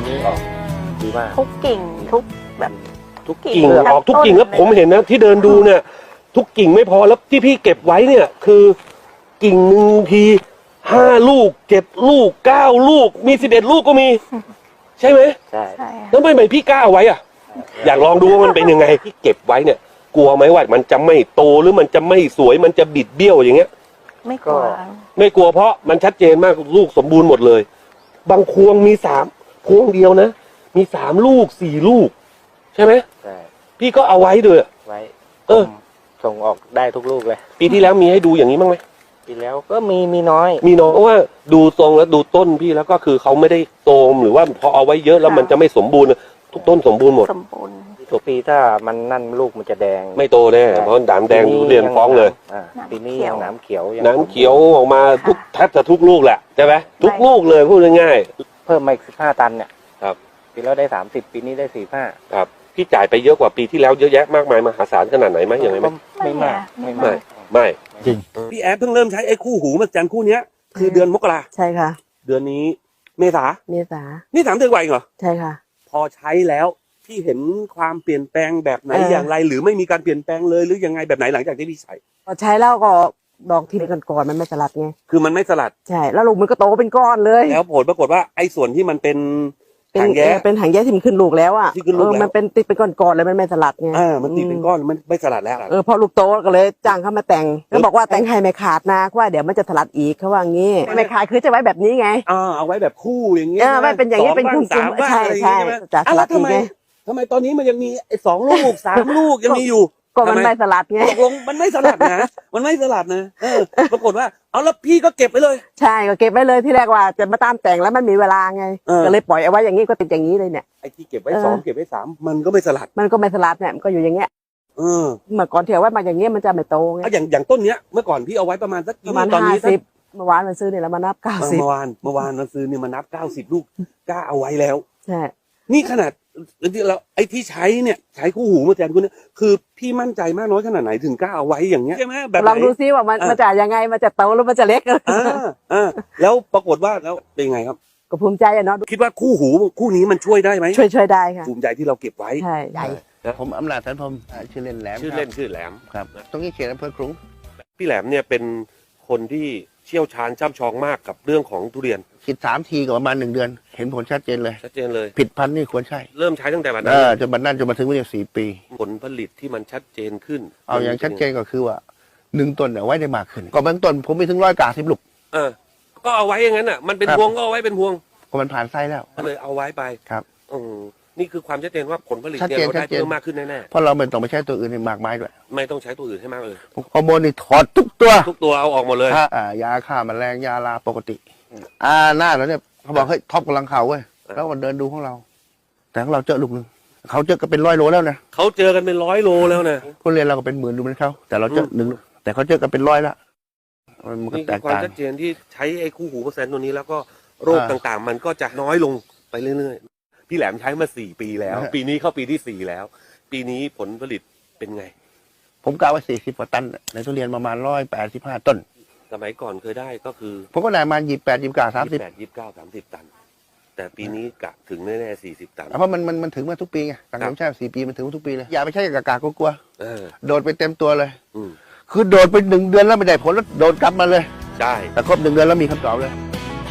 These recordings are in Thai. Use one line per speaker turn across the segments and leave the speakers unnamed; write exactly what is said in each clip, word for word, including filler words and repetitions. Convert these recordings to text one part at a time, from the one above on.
นี้ออกดีมาก
ทุกกิ่งทุกแบบ
ทุกกิ่งออกทุกกิ่งแล้วผมเห็นนะที่เดินดูเนี่ยทุกกิ่งไม่พอแล้วที่พี่เก็บไว้เนี่ยคือกิ่งหนึ่งทีห้าลูกเจ็ดลูกเก้าลูกมีสิบเอ็ดลูกก็มีใช่ไหม
ใช่
แล้วไม่ไม่พี่กล้าเอาไว้อ่ะอยากลองดูว่ามันเป็นยังไงที่เก็บไว้เนี่ยกลัวไหมว่ามันจะไม่โตหรือมันจะไม่สวยมันจะบิดเบี้ยวอย่างเงี้ย
ไม่กลัว
ไม่กลัวเพราะมันชัดเจนมากลูกสมบูรณ์หมดเลยบางพวงมีสามพวงเดียวนะมีสามลูกสี่ลูกใช่ไหม
ใช่
พี่ก็เอาไว้ด้วย
ไว้
เออ
ส่งออกได้ทุกลูกเลย
ปีที่แล้วมีให้ดูอย่างนี้บ้างไหม
ปีแล้วก็มีมีน้อย
มีน้อยเพราะว่าดูทรงแล้วดูต้นพี่แล้วก็คือเขาไม่ได้โตมหรือว่าพอเอาไว้เยอะแล้วมันจะไม่สมบูรณ์ทุกต้นสมบูรณ์หมด
สมบูรณ์
ทุกปีถ้ามันนั่นลูกมันจะแดง
ไม่โตแน่เพราะด่างแดงทุเรียนฟ้องเลย
ปีนี้ยังน้ำเขียว
น้ำเขียวออกมาทุกแทบจะทุกลูกแหละใช่ไหมทุกลูกเลยพูดง่าย
ๆเพิ่มมาอีกสิบห้าตันเนี่ย
ครับ
ปีแล้วได้สามสิบปีนี้ได้สี่ห้า
ครับพี่จ่ายไปเยอะกว่าปีที่แล้วเยอะแยะมากมายมหาศาลขนาดไหนไหมอย่างไรไหม
ไม่มากไม่
ไม่ไม่จริงพี่แอดเพิ่งเริ่มใช้ไอ้คู่หูมาจันคู่เนี้ยคือเดือนมกรา
ใช่ค่ะ
เดือนนี้เมษา
เมษา
นี่สามเดือนกว่าเองเหรอ
ใช่ค่ะ
พอใช้แล้วพี่เห็นความเปลี่ยนแปลงแบบไหนอย่างไรหรือไม่มีการเปลี่ยนแปลงเลยหรือยังไงแบบไหนหลังจากที่พี่ใช้
พอใช้แล้วก็ดอกที่เป็นก่อนมันไม่สลัดไง
คือมันไม่สลัด
ใช่แล้วลูกมันก็โตเป็นก้อนเลย
แล้วผลปรากฏว่าไอ้ส่วนที่มันเป็นหางแย้
เป็นหางแย้ที่มันขึ้นลูกแล้วอ่ะ
ที่ขึ้นลูกแล้ว
มันเป็นติดเป็นก้อนๆเลยมันไม่สลัดไง
เออมันติดเป็นก้อนมันไม่สลัดแล้ว
เออพอลูกโตก็เลยจ้างเขามาแต่งก็บอกว่าแต่งให้ไม่ขาดนะเพราะว่าเดี๋ยวมันจะสลัดอีกเขาว่างี้ไม่ขาดคือจะไว้แบบนี้ไง
อ่าเอาไว้แบบคู่อย่างเงี้ย
เออไม่เป็นอย่างนี้เป็นคู่ใช่ใช่จะสลัดอีกไง
ทำไมตอนนี้มันยังมีไอ้สองลูกสามลูกยังมีอยู่
ก็มันไม่สลัดไง
ตกลงมันไม่สลัดนะมันไม่สลัดนะเออปรากฏว่าเอาแล้วพี่ก็เก็บไว้เลย
ใช่ก็เก็บไว้เลยที่แรกว่าจะมาตามแต่งแล้วมันมีเวลาไงก็เลยปล่อยเอาไว้อย่างนี้ก็ติดอย่างนี้เลยเนี่ย
ไอ้ที่เก็บไว้สองเก็บไว้สามมันก็ไม่สลัด
มันก็ไม่สลัดเนี่ยมันก็อยู่อย่างเงี้ย
เออ
เมื่อก่อนเที่ยวไว้มาอย่างเงี้ยมันจะไม่โตไง
อย่างอย่างต้นเนี้ยเมื่อก่อนพี่เอาไว้ประมาณสัก
ประมาณห้าสิบเมื่อวานมันซื้อเนี่ยแล้วมานับเก้าสิบ
เมื่อวานเมื่อวานมันซื้อเนี่ยมานับเก้าสิบลูกกล้าเอาไว้แล้ว
ใช่
นี่ขนาดเราไอ้ที่ใช้เนี่ยใช้คู่หูมาแทนคุณเนี่ยคือพี่มั่นใจมากน้อยขนาดไหนถึงกล้าเอาไว้อย่างเงี้ยใช่ไหมแบบ
ลองดูซิว่ามันมันจะยังไงมันจะโตหรือมันจะเล็ก
อ่าอ่าแล้วปรากฏว่าแล้วเป็นไงครับ
ก็ภูมิใจอะเนาะ
คิดว่าคู่หูคู่นี้มันช่วยได้ไหม
ช่วยช่วยได้ค่ะ
ภูมิใจที่เราเก็บไว้
ใช่ใหญ่
ผมอำนาจสันพรมชื่อเล่นแหลม
ชื่อเล่นชื่อแหลม
ครับตรงนี้เขตอำเภอครุง
พี่แหลมเนี่ยเป็นคนที่เชี่ยวชาญช่ำชองมากกับเรื่องของทุเรียน
ฉีดสามทีก็ประมาณหนึ่งเดือนเห็นผลชัดเจนเลย
ชัดเจนเลย
ผิดพันธุ์นี่ควรใช่
เริ่มใช้ตั้งแต่วันนั้
นจนบัดนั้นจนมาถึงวันนี้สี่ปี
ผลผลิตที่มันชัดเจนขึ้น
เอาอย่างชัดเจนก็คือว่าหนึ่งต้นเอาไว้ได้มากขึ้นก็บางต้นผมมีถึงร้อยกาสิบลูก
เออก็เอาไว้อย่างนั้นอ่ะมันเป็นพวงก็เอาไว้เป็นพวง
ก็มันผ่านไส้แล้ว
เลยเอาไว้ไป
ครับ
อืมนี่คือความชัดเจนว่าผลผลิตเนี่ยเราได้เพิ่มมากขึ้นแน่
ๆเพราะเราไม่ต้องไปใช้ตัวอื่นในมากมายด้วย
ไม่ต้องใช้ตัวอื่นให้มากเลย
ฮอร์โมนนี่ถอดทุกตัว
ทุกตัวเอาออกหมดเลย
อ่ายาฆ่าแมลงยาลาปกติอ่าหน้าแล้วเนี่ยเขาบอกเฮ้ยท็อปกำลังเข่าเว้ยแล้วมันเดินดูของเราแต่ของเราเจอลูกนึงเขาเจอกันเป็นร้อยโลแล้วนะ
เขาเจอกันเป็นร้อยโลแล้วนะ
ผู้เรียนเราก็เป็นหมื่นดูเหมือนเขาแต่เราเจอหนึ่งแต่เขาเจอกันเป็นร้อยละ
มันก็แตกต่างความชัดเจนที่ใช้ไอ้คู่หูเปอร์เซ็นต์ตัวนี้แล้วก็โรคต่างๆมันก็จะน้อยลงไปเรื่อยๆพี่แหลมใช้มาสี่ปีแล้วปีนี้เข้าปีที่สี่แล้วปีนี้ผลผลิตเป็นไง
ผมกะว่าสี่สิบกว่าตันในทุเรียนประมาณร้อยแปดสิบห้าต้น
สมัยก่อนเคยได้ก็คือ
ผมก็ได้มายี่สิบแปดยี่สิบเก้าสามสิบ
แปดยี่สิบเก้าสามสิบตันแต่ปีนี้กะถึงแน่ๆสี่สิบตัน
เพราะมันมันมันถึงมาทุกปีไงต่างผมใช่สี่ปีมันถึงทุกปีเลยอย่าไปใช้กากากกลัวโดดไปเต็มตัวเลยคือโดดไปหนึ่งเดือนแล้วไม่ได้ผลแล้วโดดกลับมาเลย
ใช่
แต่ครบหนึ่งเดือนแล้วมีคำตอบเลย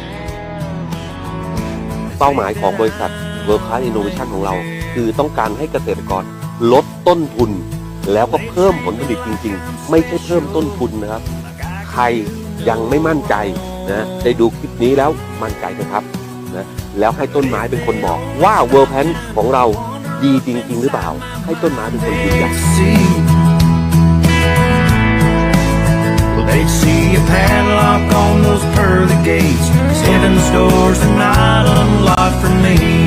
เป้าหมายของบริษัท World Class Innovation ของเราคือต้องการให้เกษตรกรลดต้นทุนแล้วก็เพิ่มผลผลิตจริงๆไม่ใช่เพิ่มต้นทุนนะครับใครยังไม่มั่นใจนะได้ดูคลิปนี้แล้วมั่นใจนะครับนะแล้วให้ต้นไม้เป็นคนบอกว่า World Pan ของเราดีจริงๆหรือเปล่าให้ต้นไม้เป็นคนยืนยัน
They'd see a padlock on those pearly gates. Heaven's doors are not unlocked for me.